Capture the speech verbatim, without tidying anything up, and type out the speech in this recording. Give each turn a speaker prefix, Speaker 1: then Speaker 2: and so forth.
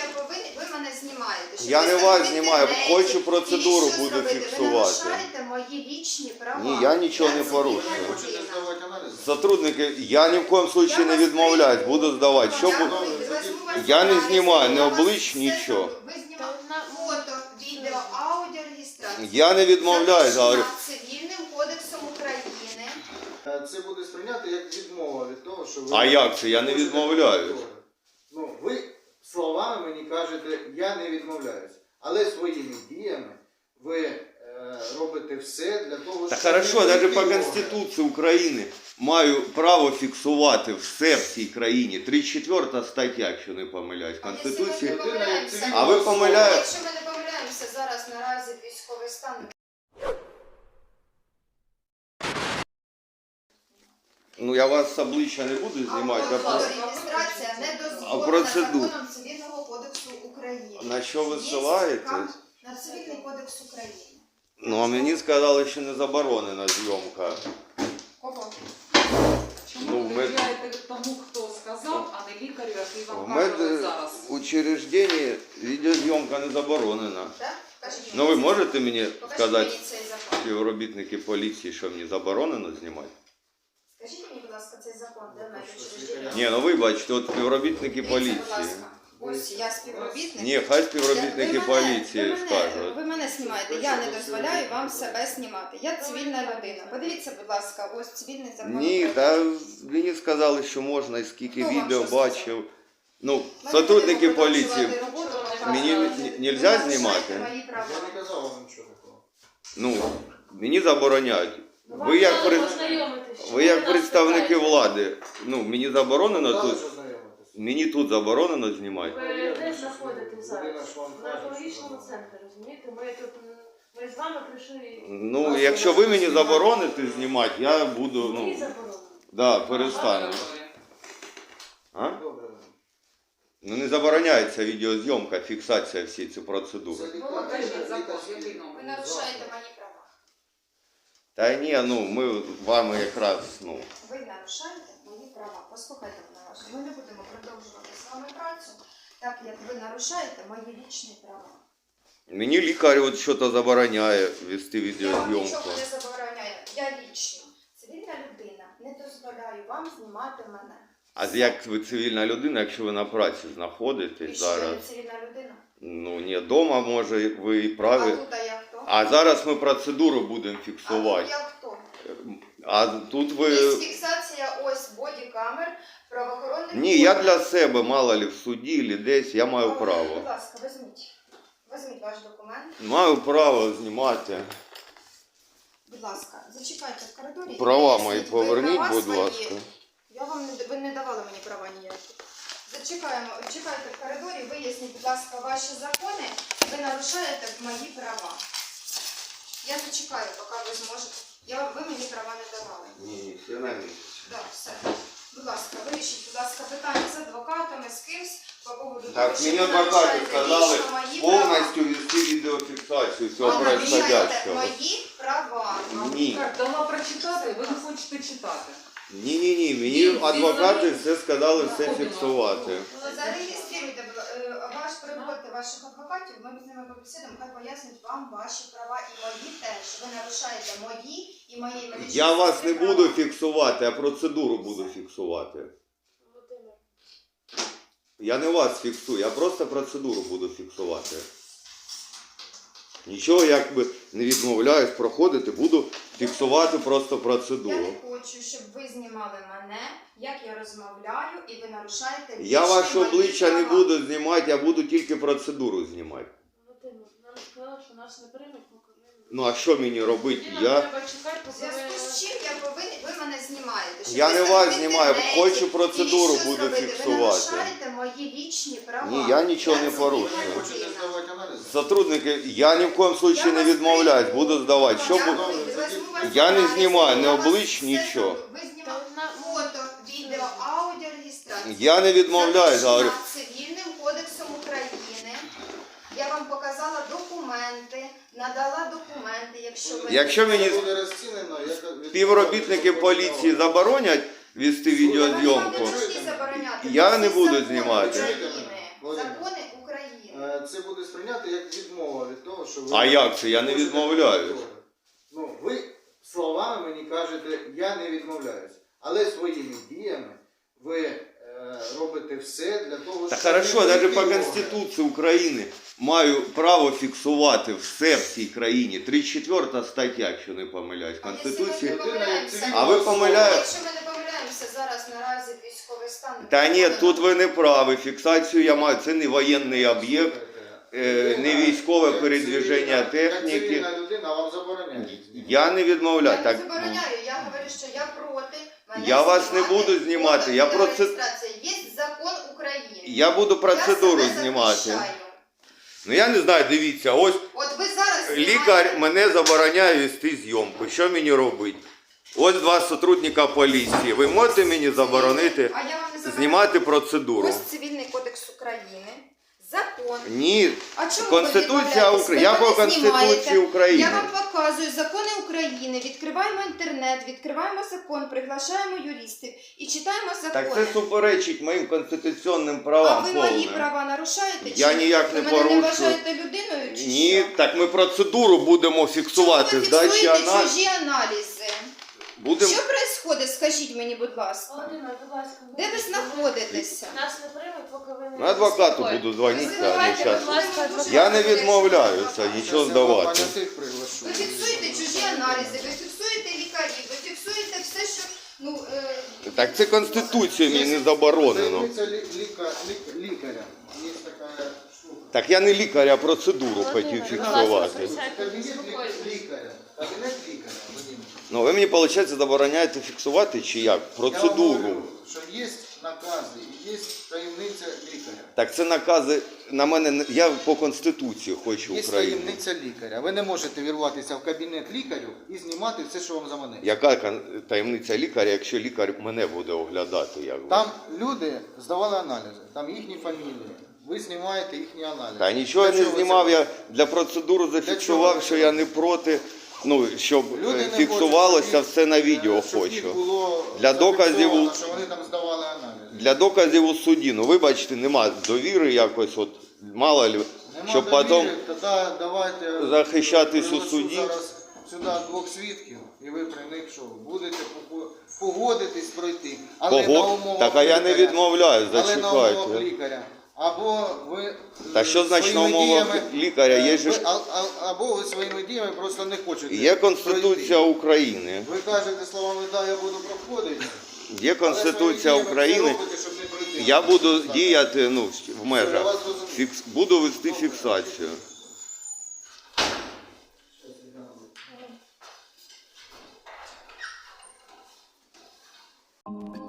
Speaker 1: повинен, ви мене знімаєте. Щоб
Speaker 2: Я
Speaker 1: ви
Speaker 2: не
Speaker 1: в
Speaker 2: вас знімаю,
Speaker 1: інтернеті
Speaker 2: хочу процедуру
Speaker 1: і що
Speaker 2: буду
Speaker 1: зробити?
Speaker 2: фіксувати.
Speaker 1: Ви нарушаєте мої вічні права.
Speaker 2: Ні, я нічого
Speaker 1: Я
Speaker 2: не
Speaker 1: цивільна
Speaker 2: порушую.
Speaker 1: людина.
Speaker 3: Хочете здавати аналізи?
Speaker 2: Сотрудники, я ні в коєму случае не відмовляюсь, буду здавати. Що
Speaker 1: Я
Speaker 2: бу-
Speaker 1: візьму вас
Speaker 2: Я не
Speaker 1: аналізи,
Speaker 2: знімаю, ні
Speaker 1: я вас
Speaker 2: облич,
Speaker 1: все
Speaker 2: нічого.
Speaker 1: зроблю. Ви знімали фото, відео, аудіореєстрацію.
Speaker 2: Я не відмовляюсь, говорю.
Speaker 1: Запрошена Цивільним кодексом України.
Speaker 3: Це буде сприйняти як відмова від того, що ви...
Speaker 2: А як це? Я не відмовляюсь.
Speaker 3: Ну, ви словами мені кажете, я не відмовляюсь. Але своїми діями ви е, робите все для того,
Speaker 2: Та
Speaker 3: щоб...
Speaker 2: хорошо,
Speaker 3: не
Speaker 2: навіть
Speaker 3: бути
Speaker 2: по
Speaker 3: ворога.
Speaker 2: Конституції України маю право фіксувати все в цій країні. тридцять четверта стаття, якщо не помиляюсь, Конституції.
Speaker 1: Якщо ми не помиляємося,
Speaker 2: А ви помиляєте?
Speaker 1: Якщо ми не помиляємося, зараз наразі військовий стан.
Speaker 2: Ну я вас з обличчя не буду знімати, а про...
Speaker 1: Реєстрація не
Speaker 2: А
Speaker 1: дозволена
Speaker 2: процедуру?
Speaker 1: законом Цивільного кодексу України.
Speaker 2: На що ви
Speaker 1: Є
Speaker 2: ссилаєтесь?
Speaker 1: скарга на Цивільний кодекс України.
Speaker 2: Ну а мені сказали, що не заборонена зйомка.
Speaker 1: Кого?
Speaker 4: Чому
Speaker 2: Ну,
Speaker 4: ви
Speaker 2: ми-
Speaker 4: довіряєте тому, хто сказав, а не лікарю, який
Speaker 2: В
Speaker 4: вам каже
Speaker 2: мед
Speaker 4: зараз?
Speaker 2: учрежденні відеозйомка не заборонена.
Speaker 1: Так? Кажіть мені.
Speaker 2: Ну ви можете мені
Speaker 1: Покажіть
Speaker 2: сказати,
Speaker 1: мені цей закон.
Speaker 2: співробітники поліції, що мені заборонено знімати?
Speaker 1: Скажіть мені, будь ласка, цей закон, де медучреждення?
Speaker 2: Ні, ну вибачте, от співробітники
Speaker 1: Дивіться, будь
Speaker 2: поліції.
Speaker 1: ласка. Ось я співробітник.
Speaker 2: Ні, хай співробітники
Speaker 1: Ви мене-
Speaker 2: поліції
Speaker 1: ви мене-
Speaker 2: скажуть.
Speaker 1: Ви мене знімаєте, я не дозволяю вам себе знімати. Я цивільна людина. Подивіться, будь ласка, ось цивільний закон.
Speaker 2: Ні,
Speaker 1: України.
Speaker 2: та мені сказали, що можна, і скільки
Speaker 1: Хто вам
Speaker 2: відео
Speaker 1: що сказав?
Speaker 2: бачив. Ну,
Speaker 1: Ми
Speaker 2: сотрудники
Speaker 1: будемо
Speaker 2: поліції.
Speaker 1: продовжувати роботу, поки
Speaker 2: Мені
Speaker 1: ви
Speaker 2: н-
Speaker 1: не
Speaker 2: нельзя
Speaker 1: нарушаєте
Speaker 2: знімати?
Speaker 1: мої права.
Speaker 3: Я не казав вам нічого такого.
Speaker 2: Ну, мені забороняють. Ви як, пред- ви як представники влади, ну, мені заборонено
Speaker 3: Дали
Speaker 2: тут,
Speaker 3: ж ознайомитись.
Speaker 2: мені тут заборонено знімати.
Speaker 5: Ви де знаходитесь зараз?
Speaker 3: Людина ж вам
Speaker 5: На
Speaker 3: каже,
Speaker 5: екологічному
Speaker 3: що-
Speaker 5: центрі, розумієте? Ми тут м, ми з вами прийшли.
Speaker 2: Ну, якщо ви мені забороните знімати, я буду,
Speaker 5: Мені
Speaker 2: ну,
Speaker 5: заборонено.
Speaker 2: да, перестану. А?
Speaker 3: Добре.
Speaker 2: Ну, не забороняється відеозйомка, фіксація всієї цієї процедури.
Speaker 3: Це
Speaker 4: Ну, покажіть
Speaker 3: лікар-
Speaker 4: закон,
Speaker 3: лікарський
Speaker 4: який номер?
Speaker 1: Ви нарушаєте мої права.
Speaker 2: Та ні, ну, ми вами якраз, ну,
Speaker 1: Ви нарушаєте мої права. Послухайте мене уважно. Ми не будемо продовжувати з вами працю, так як ви нарушаєте мої вічні права.
Speaker 2: мені лікар от щось забороняє вести
Speaker 1: Я вам
Speaker 2: відеозйомку.
Speaker 1: нічого не забороняю. Я лічно, цивільна людина, не дозволяю вам знімати мене.
Speaker 2: А як ви цивільна людина, якщо ви на праці
Speaker 1: І
Speaker 2: знаходитесь
Speaker 1: що я
Speaker 2: зараз?
Speaker 1: не цивільна людина?
Speaker 2: Ну, ні, вдома, може, ви і
Speaker 1: А
Speaker 2: праві.
Speaker 1: тут а я хто?
Speaker 2: А зараз ми процедуру будемо
Speaker 1: А
Speaker 2: фіксувати.
Speaker 1: тут я хто?
Speaker 2: А тут
Speaker 1: Є
Speaker 2: ви...
Speaker 1: фіксація ось бодікамер правоохоронних
Speaker 2: Ні, я
Speaker 1: органів.
Speaker 2: для себе, мало ли в суді, чи десь, я маю
Speaker 1: Будь
Speaker 2: право.
Speaker 1: ласка, візьміть. Візьміть ваш документ.
Speaker 2: Маю право знімати.
Speaker 1: Будь ласка, зачекайте в коридорі. і
Speaker 2: Права
Speaker 1: виясніть,
Speaker 2: мої
Speaker 1: ви
Speaker 2: поверніть,
Speaker 1: права
Speaker 2: будь
Speaker 1: свої.
Speaker 2: ласка.
Speaker 1: Я вам не, ви не давали мені права ніякі. Зачекаємо, чекайте в коридорі, виясніть, будь ласка, ваші закони. Ви нарушаєте мої права. Я зачекаю, поки ви зможете. Я, ви мені права не давали.
Speaker 2: Ні, ні, все на місці.
Speaker 1: Так, все. Будь ласка, вирішіть, будь ласка, питання з адвокатами, з кимсь по поводу
Speaker 2: Так,
Speaker 1: того,
Speaker 2: мені
Speaker 1: ви
Speaker 2: адвокати
Speaker 1: нарушаєте
Speaker 2: сказали
Speaker 1: лічно мої права.
Speaker 2: повністю вести відеофіксацію всього
Speaker 1: Ви нарушаєте
Speaker 2: происходящего.
Speaker 1: мої права.
Speaker 2: Ні.
Speaker 4: Так, дала прочитати, ви не хочете читати.
Speaker 2: Ні, ні, ні, мені адвокати все сказали все фіксувати.
Speaker 1: Зареєструйте е, ваш приходьте ваших адвокатів, ми з ними побесідемо, хай пояснять вам ваші права і мої теж. Ви нарушаєте мої і мої медичні
Speaker 2: Я вас не
Speaker 1: права.
Speaker 2: буду фіксувати, а процедуру буду фіксувати.
Speaker 5: Володимир,
Speaker 2: Я не вас фіксую, я просто процедуру буду фіксувати. Нічого якби не відмовляюсь проходити, буду фіксувати просто
Speaker 1: Я
Speaker 2: процедуру.
Speaker 1: не хочу, щоб ви знімали мене, як я розмовляю, і ви нарушаєте
Speaker 2: Я
Speaker 1: вічні
Speaker 2: ваше
Speaker 1: мої
Speaker 2: обличчя не
Speaker 1: права.
Speaker 2: буду знімати, я буду тільки процедуру знімати.
Speaker 5: Володимир, нам сказали, що нас не приймуть, поки ми...
Speaker 2: Ну а що мені робити?
Speaker 5: Тоді нам
Speaker 2: Я,
Speaker 5: треба чекати,
Speaker 1: В
Speaker 5: поки
Speaker 1: зв'язку
Speaker 5: ви...
Speaker 1: з чим я повинен, ви мене знімаєте. Щоб
Speaker 2: я
Speaker 1: ви
Speaker 2: не
Speaker 1: себе
Speaker 2: вас
Speaker 1: в
Speaker 2: знімаю,
Speaker 1: інтернеті
Speaker 2: хочу процедуру
Speaker 1: і що
Speaker 2: буду
Speaker 1: зробити? Ви
Speaker 2: фіксувати.
Speaker 1: нарушаєте мої вічні права.
Speaker 2: Ні, я нічого не
Speaker 1: цивільна
Speaker 2: порушую.
Speaker 1: людина.
Speaker 3: Хочете здавати аналізи?
Speaker 2: Сотрудники, я ні в коєму случае не відмовляюсь, буду здавати. Що
Speaker 1: Я
Speaker 2: бу-
Speaker 1: візьму вас
Speaker 2: Я не
Speaker 1: аналізи,
Speaker 2: знімаю,
Speaker 1: я
Speaker 2: не
Speaker 1: вас
Speaker 2: облич,
Speaker 1: все
Speaker 2: нічого.
Speaker 1: зроблю. Ви знімали фото, відео, аудіореєстрацію.
Speaker 2: Я не відмовляюсь, говорю.
Speaker 1: Запрошена Цивільним кодексом України. Я вам показала документи, надала документи, якщо ви...
Speaker 2: Якщо мені
Speaker 3: Це буде розцінено, як...
Speaker 2: співробітники поліції заборонять вести
Speaker 1: Вони вам
Speaker 2: відеозйомку,
Speaker 1: не повинні забороняти.
Speaker 2: Я
Speaker 1: Це
Speaker 2: не буду
Speaker 1: закони
Speaker 2: знімати.
Speaker 1: України. Закони України.
Speaker 3: сприйняти як відмова від того, що ви...
Speaker 2: А як це? Я не
Speaker 3: хочете
Speaker 2: відмовляюсь.
Speaker 3: повторити. Ну, ви словами мені кажете, я не відмовляюсь. Але своїми діями ви е, робите все для того,
Speaker 2: Та
Speaker 3: щоб...
Speaker 2: хорошо,
Speaker 3: не
Speaker 2: навіть
Speaker 3: вийти
Speaker 2: по
Speaker 3: в
Speaker 2: Конституції України маю право фіксувати все в цій країні. тридцять четверта стаття, якщо не помиляюсь,
Speaker 1: А
Speaker 2: Конституції.
Speaker 1: якщо ми не помиляємося?
Speaker 2: А ви помиляєте?
Speaker 1: Якщо ми не помиляємося зараз наразі військовий стан.
Speaker 2: Та ні,
Speaker 1: то
Speaker 2: тут ви не праві. Фіксацію я маю. Це не воєнний об'єкт, е, не військове передвіження техніки.
Speaker 3: Цивільна людина вам забороняє.
Speaker 2: Я не відмовляю.
Speaker 1: Я
Speaker 2: Так,
Speaker 1: не
Speaker 2: ну,
Speaker 1: забороняю, я говорю, що я проти. Мене
Speaker 2: Я вас не
Speaker 1: знімати,
Speaker 2: буду знімати, я
Speaker 1: фото,
Speaker 2: проце-
Speaker 1: відеореєстрація. Є закон України.
Speaker 2: я буду процедуру
Speaker 1: Я себе
Speaker 2: знімати.
Speaker 1: захищаю.
Speaker 2: Ну я не знаю, дивіться, ось
Speaker 1: От ви зараз
Speaker 2: лікар
Speaker 1: знімаєте-
Speaker 2: мене забороняє вести зйомку. Що мені робити? Ось два сотрудника поліції. Ви можете мені заборонити
Speaker 1: А я вам не забороняю.
Speaker 2: знімати процедуру?
Speaker 1: Ось Цивільний кодекс України, закон.
Speaker 2: Ні.
Speaker 1: А чому
Speaker 2: Конституція
Speaker 1: ви відмовляєтесь?
Speaker 2: України. Я
Speaker 1: Ви
Speaker 2: по
Speaker 1: мене
Speaker 2: Конституції
Speaker 1: знімаєте.
Speaker 2: України.
Speaker 1: Я вам показую закони України, відкриваємо інтернет, відкриваємо закон, приглашаємо юристів і читаємо закони.
Speaker 2: Так це суперечить моїм конституційним
Speaker 1: А
Speaker 2: правам
Speaker 1: ви мої
Speaker 2: повним.
Speaker 1: права нарушаєте?
Speaker 2: Я
Speaker 1: чи ні?
Speaker 2: ніяк не
Speaker 1: ви мене
Speaker 2: порушую.
Speaker 1: не вважаєте людиною чи
Speaker 2: Ні,
Speaker 1: що?
Speaker 2: так ми процедуру будемо фіксувати.
Speaker 1: Чому ви
Speaker 2: Здачі
Speaker 1: фіксуєте
Speaker 2: аналіз.
Speaker 1: чужі аналізи?
Speaker 2: Будемо.
Speaker 1: Що відбувається? Скажіть мені, будь ласка.
Speaker 5: Володимир, будь ласка.
Speaker 1: Де ви знаходитеся?
Speaker 5: Нас не приймуть, поки ви не...
Speaker 2: На адвокату
Speaker 5: Ой.
Speaker 2: буду дзвонити.
Speaker 1: Ви знаєте,
Speaker 2: щас.
Speaker 1: ми будемо дуже
Speaker 2: Я не
Speaker 1: раді,
Speaker 2: відмовляюся,
Speaker 1: якщо ви
Speaker 2: нічого
Speaker 1: адвокат.
Speaker 2: здавати.
Speaker 3: приглашу.
Speaker 1: Ви фіксуєте чужі аналізи, ви фіксуєте лікарів, ви фіксуєте все, що ну е,
Speaker 2: Так це Конституція мені не заборонено.
Speaker 3: Таємниця лі- ліка- лі- лікаря. Є така штука.
Speaker 2: Так я не лікар, а процедуру
Speaker 5: Володимир,
Speaker 2: хотів
Speaker 5: будь
Speaker 2: фіксувати.
Speaker 5: ласка,
Speaker 3: Кабінет
Speaker 5: Заспокойтесь.
Speaker 3: лі- лікаря. Кабінет лікаря. Вадим.
Speaker 2: Ну ви мені, виходить, забороняєте фіксувати чи як?
Speaker 3: Я вам
Speaker 2: Процедуру.
Speaker 3: говорю, що є накази і є таємниця лікаря.
Speaker 2: Так це накази на мене. не- Я по Конституції хочу
Speaker 3: Є
Speaker 2: України.
Speaker 3: таємниця лікаря. Ви не можете вірватися в кабінет лікарю і знімати все, що вам заманеться.
Speaker 2: Яка кон- таємниця лікаря, якщо лікар мене буде оглядати? Як?
Speaker 3: Там люди здавали аналізи, там їхні фамілії. Ви знімаєте їхні аналізи.
Speaker 2: Та нічого я
Speaker 3: Для
Speaker 2: не
Speaker 3: чого ви
Speaker 2: знімав,
Speaker 3: це
Speaker 2: я
Speaker 3: робите?
Speaker 2: для процедури зафіксував,
Speaker 3: чого?
Speaker 2: що я не проти, ну, щоб
Speaker 3: Люди
Speaker 2: е,
Speaker 3: не
Speaker 2: фіксувалося
Speaker 3: хочуть,
Speaker 2: все на
Speaker 3: щоб їх-
Speaker 2: відео
Speaker 3: щоб їх
Speaker 2: хочу.
Speaker 3: було
Speaker 2: Для доказів
Speaker 3: зафіксовано,
Speaker 2: у-
Speaker 3: що вони там здавали аналізи.
Speaker 2: Для доказів у суді, ну вибачте, нема довіри якось, от мало ли,
Speaker 3: Нема
Speaker 2: щоб
Speaker 3: довіри,
Speaker 2: потім
Speaker 3: тоді давайте
Speaker 2: захищатись у
Speaker 3: приглашу
Speaker 2: суді.
Speaker 3: зараз сюди двох свідків, і ви при них що, будете пого- погодитись пройти. Але на
Speaker 2: Пого...
Speaker 3: умовах
Speaker 2: Так, а я не
Speaker 3: лікаря.
Speaker 2: відмовляю,
Speaker 3: Але на умовах
Speaker 2: зачекайте.
Speaker 3: лікаря. Або ви
Speaker 2: Та
Speaker 3: е,
Speaker 2: що значить на
Speaker 3: своїми
Speaker 2: умовах
Speaker 3: діями,
Speaker 2: лікаря? Є
Speaker 3: е,
Speaker 2: же
Speaker 3: ви-
Speaker 2: ж-
Speaker 3: а- а- або ви своїми діями просто не хочете.
Speaker 2: Є Конституція
Speaker 3: пройти.
Speaker 2: України.
Speaker 3: Ви кажете словами, да, я буду проходити.
Speaker 2: Є Конституція
Speaker 3: але своїми
Speaker 2: України.
Speaker 3: діями все робите, щоб не пройти.
Speaker 2: Я буду діяти ну, в
Speaker 3: Все, я
Speaker 2: межах.
Speaker 3: вас зрозумів.
Speaker 2: Фікс... Буду вести фіксацію.
Speaker 3: Thank you.